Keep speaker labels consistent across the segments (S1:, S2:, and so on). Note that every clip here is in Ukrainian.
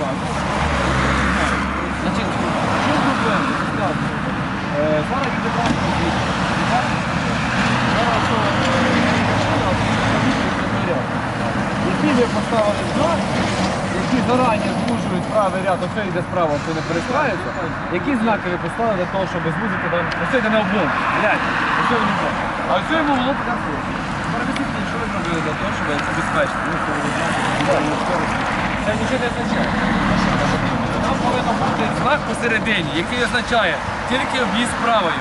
S1: Значить, що проблема? Зараз відібрали які ви поставили знак, які зарані звужують правий ряд, ось йде справа, ось не перестраюється, які знаки ви поставили для того, щоб звузити даний? Ось йде не облом, гляньте, ось його не облом. А ось йому було б так. Перевісіть, що ви зробили для того, щоб це безпечно. Це нічого не означає. Нам повинен бути знак посередині, який означає тільки об'їзд правою.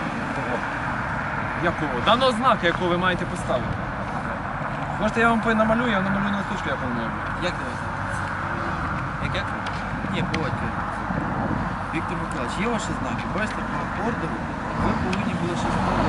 S1: Якого? Даного знака, якого ви маєте поставити. Можете, я вам намалюю, я намалюю на листочку, як воно має бути.
S2: Як ви знаєте? Як? Ні, поводьте. Віктор Миколаївич, є ваші знаки? Бачите, по ордеру ви повинні були ще поставити,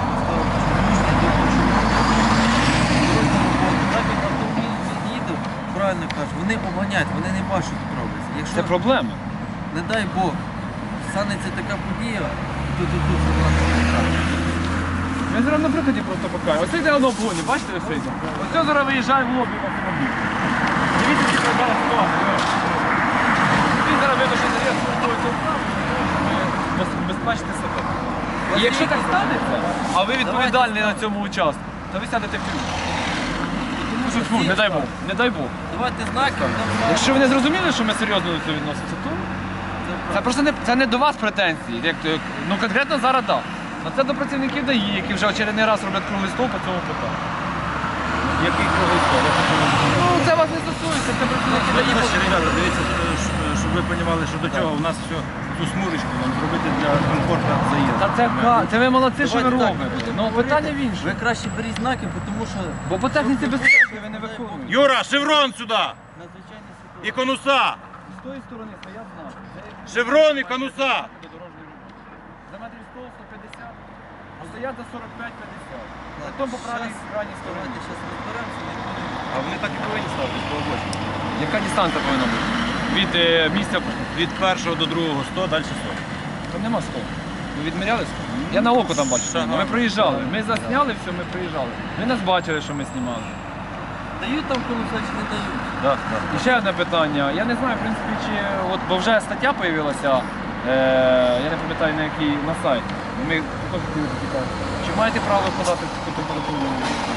S2: так як автомобіль їде, правильно кажуть, вони обганяють, вони не бачать, що тут робиться. Якщо,
S1: Це проблема.
S2: не дай Бог, станеться така подія, то тут забрати.
S1: Я зараз на прикладі просто покажу. Ось йде воно в гоні, бачите, ось йде? Ось це зараз виїжджає в лобі в автомобіль. Дивіться, які зараз ситуація. Він зараз видно, що заряд спортується вправо, щоб безпечити себе. І якщо так станеться, а ви відповідальний на цьому участку, то ви сядете в тюрму. Фу, не дай Бог, не дай Бог.
S2: Давайте знаки.
S1: Якщо ви не зрозуміли, що ми серйозно до цього відносимося, то це просто не до вас претензії. Ну конкретно зараз так. А це до працівників ДАІ, які вже очередний раз роблять круглий стол по цьому питанню.
S3: Який круглий стол?
S1: Ну це вас не стосується, це працівники ДАІ.
S3: Ребята, дивіться, щоб ви розуміли, що до чого у нас все, цю смурочку нам зробити для комфорту заїзду.
S1: Це ви молодці, що ви
S2: Давайте так.
S1: робите. Ну питання в іншому.
S2: Ви краще беріть знаки, тому що
S1: Бо по техніці безпеки ви не виконуєте.
S3: Юра, шеврон сюди!
S2: надзвичайні
S3: І
S2: ситуації.
S3: конуса!
S1: З тої сторони стоять знаки.
S3: Шеврон і конуса!
S1: За метрів 100, 150, а стоять за 45-50. Потім по правій крайній стороні.
S2: Давайте зараз розберемося, не будемо.
S3: А вони так і повинні ставити з обочини.
S1: Яка дистанція повинна бути? Від місця,
S3: Від першого до другого 100, далі 100.
S1: там нема 100. Ви відміряли 100? Я на око там бачу. Ми проїжджали. Ми засняли все, ми проїжджали. Ви нас бачили, що ми знімали.
S2: Дають там конуса чи не дають?
S3: Так, так.
S1: І ще одне питання. Я не знаю, в принципі, чи от, бо вже стаття з'явилася, я не пам'ятаю на якій на сайті. Ми також хотіли запитати. Чи маєте право подати таку температуру?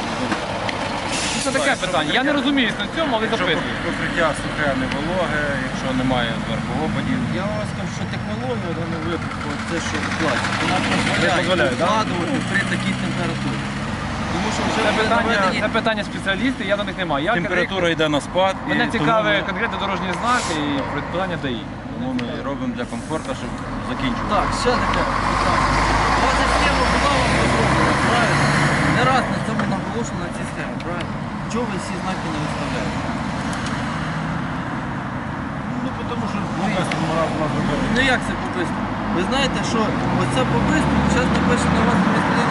S1: Це таке питання. Я не розумію на цьому, але
S3: Якщо
S1: запитую.
S3: покриття сухе, не вологе, якщо немає зверху опадів.
S2: Я вам скажу, що технологія в даному випадку, це що платить, вона
S1: дозволяє,
S2: дозволяє
S1: да?
S2: вкладувати при такій температурі. Тому що вже
S1: Це питання спеціалістів, я до них не маю. Я
S3: Температура йде на спад. і
S1: Мене
S3: тому
S1: цікавить
S3: ми-
S1: конкретно дорожні знаки і питання ДАІ.
S3: Тому ми робимо для комфорту, щоб закінчувати.
S2: Так, ще таке питання. У вас ця схема була вам розроблена, правильно? Не раз на цьому наголошено на цій схемі, правильно? Чого ви всі знаки не виставляєте?
S3: Ну, тому що по-бистрому раз у нас зробили.
S2: Ну як це по-бистрому? Ви знаєте, що оце по-бистрому зараз напише на вас місцевину.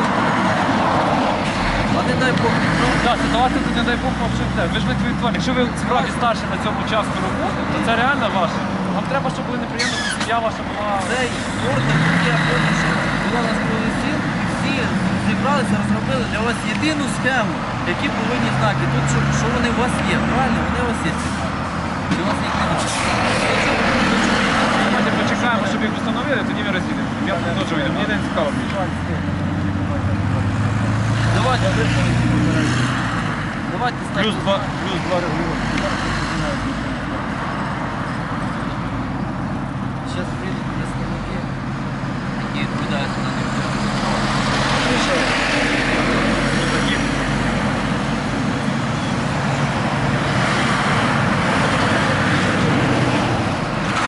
S2: А не дай Бог, правда?
S1: Так, ситуація тут, не дай Бог, взагалі все. Ви ж відповідальні. Якщо ви справді старші на цьому участку роботи, то це реально ваше. Вам треба, щоб були неприємності, сім'я ваша була.
S2: Цей ордер, який я помню, що була на круглий стіл, і всі зібралися, розробили для вас єдину схему, які повинні знаки. Тут що вони у вас є, правильно? Вони у вас є ці знаки. І у вас їх немає.
S1: Давайте почекаємо, щоб їх встановили, тоді ви розділимо. Я теж вийду. Мені не цікаво більше.
S2: Давайте, давайте
S3: Плюс 2 регулювання.